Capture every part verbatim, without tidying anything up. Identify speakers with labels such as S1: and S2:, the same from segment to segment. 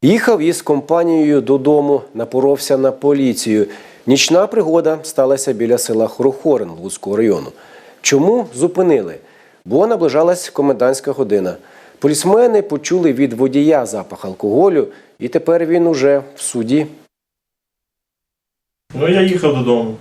S1: Їхав із компанією додому, напоровся на поліцію. Нічна пригода сталася біля села Хорохорин Луцького району. Чому зупинили? Бо наближалась комендантська година. Полісмени почули від водія запах алкоголю, і тепер він уже в суді.
S2: Ну, я їхав додому.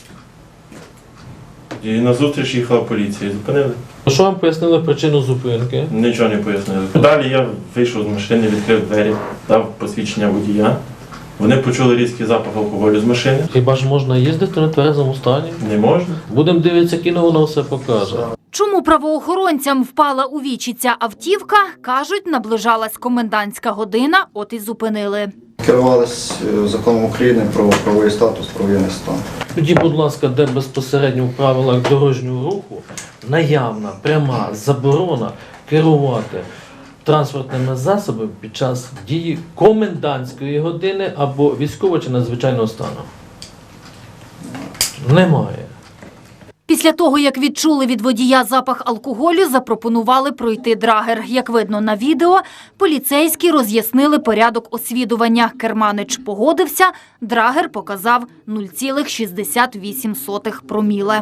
S2: І назустріч їхала поліція. Зупинили.
S3: Що вам пояснили причину зупинки?
S2: Нічого не пояснили. Далі я вийшов з машини, відкрив двері, дав посвідчення водія. Вони почули різкий запах алкоголю з машини.
S3: Хіба ж можна їздити на тверезому стані?
S2: Не можна.
S3: Будемо дивитися кіно, воно все покаже.
S4: Чому правоохоронцям впала у вічі ця автівка, кажуть, наближалась комендантська година, от і зупинили.
S5: Керувалися законом України про правовий статус, про воєнний стан.
S3: Тоді, будь ласка, де безпосередньо в правилах дорожнього руху наявна, пряма заборона керувати транспортними засобами під час дії комендантської години або військового чи надзвичайного стану? Немає.
S4: Після того, як відчули від водія запах алкоголю, запропонували пройти драгер. Як видно на відео, поліцейські роз'яснили порядок освідування. Керманич погодився, драгер показав нуль цілих шістдесят вісім сотих проміле.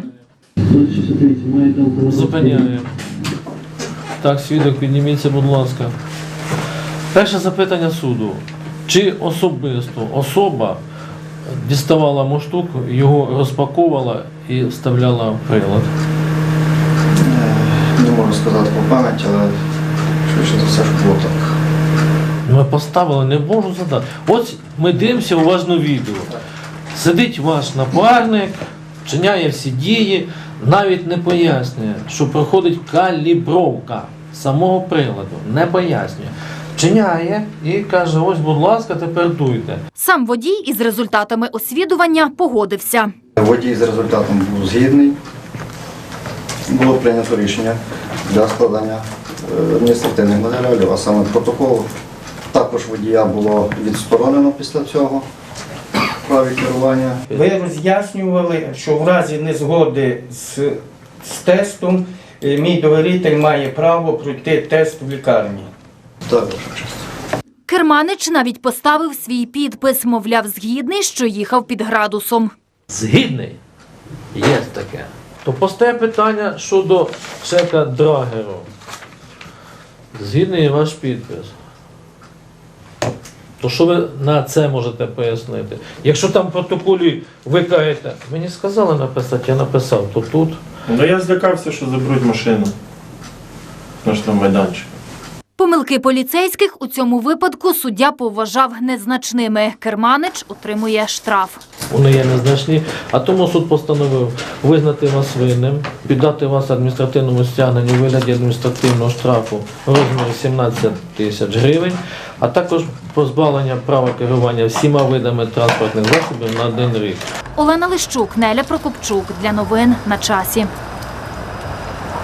S3: Зупиняємо. Так, свідок, підніміться, будь ласка. Перше запитання суду. Чи особисто особа діставала мундштук, його розпаковувала і вставляла в прилад?
S5: Не можу сказати по пам'яті, але швидше за все, що було так.
S3: Ми поставили, не можу задати. Ось ми дивимося уважно відео. Сидить ваш напарник, вчиняє всі дії, навіть не пояснює, що проходить калібровка самого приладу. Не пояснює. Вчиняє і каже, ось, будь ласка, тепер дуйте.
S4: Сам водій із результатами освідування погодився.
S5: Водій з результатом був згідний. Було прийнято рішення для складання адміністративних матеріалів, а саме протоколу. Також водія було відсторонено після цього в праві керування.
S6: Ви роз'яснювали, що в разі незгоди з, з тестом мій довіритель має право пройти тест в лікарні.
S5: Так, ваша честь.
S4: Керманич навіть поставив свій підпис, мовляв, згідний, що їхав під градусом.
S3: Згідний? Є таке. То постає питання щодо чека драгеру. Згідний ваш підпис. То що ви на це можете пояснити? Якщо там в протоколі ви кажете, мені сказали написати, я написав, то тут.
S2: Ну, я злякався, що заберуть машину на штрафмайданчик.
S4: Помилки поліцейських у цьому випадку суддя поважав незначними. Керманич отримує штраф.
S3: Вони є незначні, а тому суд постановив визнати вас винним, піддати вас адміністративному стягненню у вигляді адміністративного штрафу в розмірі сімнадцять тисяч гривень, а також позбавлення права керування всіма видами транспортних засобів на один рік.
S4: Олена Лищук, Неля Прокопчук. Для новин на часі.